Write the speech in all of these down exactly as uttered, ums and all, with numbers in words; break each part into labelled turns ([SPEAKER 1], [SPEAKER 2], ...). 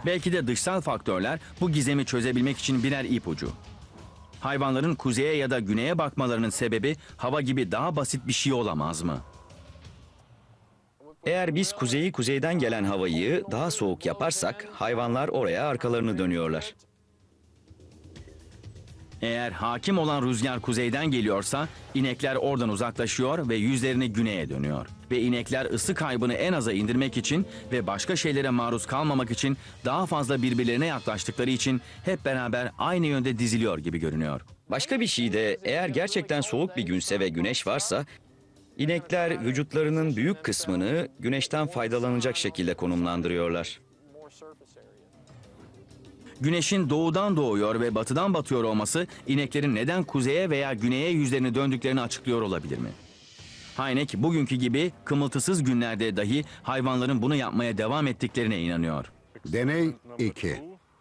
[SPEAKER 1] Belki de dışsal faktörler bu gizemi çözebilmek için birer ipucu. Hayvanların kuzeye ya da güneye bakmalarının sebebi hava gibi daha basit bir şey olamaz mı?
[SPEAKER 2] Eğer biz kuzeyi kuzeyden gelen havayı daha soğuk yaparsak hayvanlar oraya arkalarını dönüyorlar.
[SPEAKER 1] Eğer hakim olan rüzgar kuzeyden geliyorsa inekler oradan uzaklaşıyor ve yüzlerini güneye dönüyor. Ve inekler ısı kaybını en aza indirmek için ve başka şeylere maruz kalmamak için daha fazla birbirlerine yaklaştıkları için hep beraber aynı yönde diziliyor gibi görünüyor.
[SPEAKER 2] Başka bir şey de eğer gerçekten soğuk bir günse ve güneş varsa inekler vücutlarının büyük kısmını güneşten faydalanacak şekilde konumlandırıyorlar.
[SPEAKER 1] Güneşin doğudan doğuyor ve batıdan batıyor olması ineklerin neden kuzeye veya güneye yüzlerini döndüklerini açıklıyor olabilir mi? Hynek bugünkü gibi kımıltısız günlerde dahi hayvanların bunu yapmaya devam ettiklerine inanıyor.
[SPEAKER 3] Deney iki.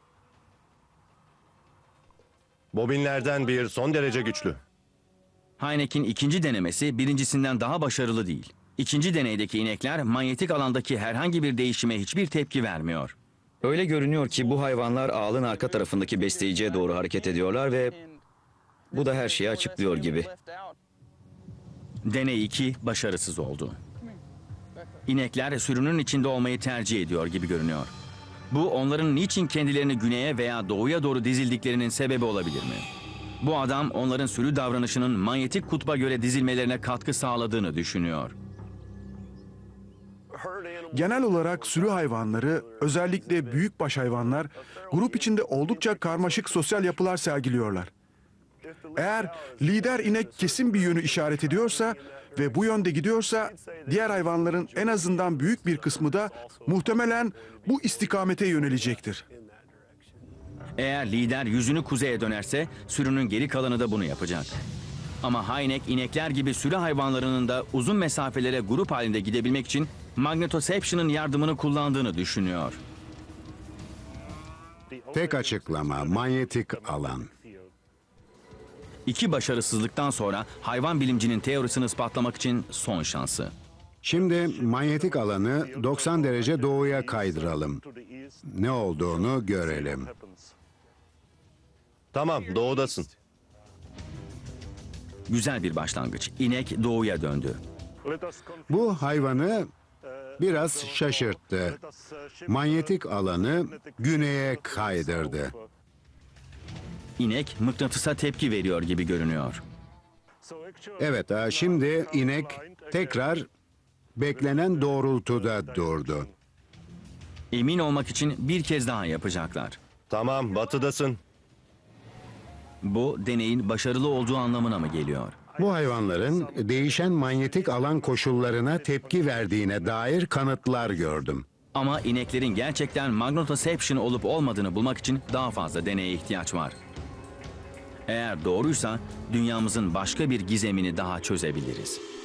[SPEAKER 4] Bobinlerden bir son derece güçlü.
[SPEAKER 1] Hynek'in ikinci denemesi birincisinden daha başarılı değil. İkinci deneydeki inekler manyetik alandaki herhangi bir değişime hiçbir tepki vermiyor.
[SPEAKER 2] Öyle görünüyor ki bu hayvanlar ağılın arka tarafındaki besleyiciye doğru hareket ediyorlar ve bu da her şeyi açıklıyor gibi.
[SPEAKER 1] Deney iki başarısız oldu. İnekler sürünün içinde olmayı tercih ediyor gibi görünüyor. Bu onların niçin kendilerini güneye veya doğuya doğru dizildiklerinin sebebi olabilir mi? Bu adam onların sürü davranışının manyetik kutba göre dizilmelerine katkı sağladığını düşünüyor.
[SPEAKER 5] Genel olarak sürü hayvanları, özellikle büyükbaş hayvanlar, grup içinde oldukça karmaşık sosyal yapılar sergiliyorlar. Eğer lider inek kesin bir yönü işaret ediyorsa ve bu yönde gidiyorsa, diğer hayvanların en azından büyük bir kısmı da muhtemelen bu istikamete yönelecektir.
[SPEAKER 1] Eğer lider yüzünü kuzeye dönerse sürünün geri kalanı da bunu yapacak. Ama Hynek inekler gibi sürü hayvanlarının da uzun mesafelere grup halinde gidebilmek için magnetoception'ın yardımını kullandığını düşünüyor.
[SPEAKER 3] Tek açıklama manyetik alan.
[SPEAKER 1] İki başarısızlıktan sonra hayvan bilimcinin teorisini ispatlamak için son şansı.
[SPEAKER 3] Şimdi manyetik alanı doksan derece doğuya kaydıralım. Ne olduğunu görelim.
[SPEAKER 4] Tamam, doğudasın.
[SPEAKER 1] Güzel bir başlangıç. İnek doğuya döndü.
[SPEAKER 3] Bu hayvanı biraz şaşırttı. Manyetik alanı güneye kaydırdı.
[SPEAKER 1] İnek mıknatısa tepki veriyor gibi görünüyor.
[SPEAKER 3] Evet, ha, şimdi inek tekrar beklenen doğrultuda durdu.
[SPEAKER 1] Emin olmak için bir kez daha yapacaklar.
[SPEAKER 4] Tamam, batıdasın.
[SPEAKER 1] Bu deneyin başarılı olduğu anlamına mı geliyor?
[SPEAKER 3] Bu hayvanların değişen manyetik alan koşullarına tepki verdiğine dair kanıtlar gördüm.
[SPEAKER 1] Ama ineklerin gerçekten magnetoception olup olmadığını bulmak için daha fazla deneye ihtiyaç var. Eğer doğruysa dünyamızın başka bir gizemini daha çözebiliriz.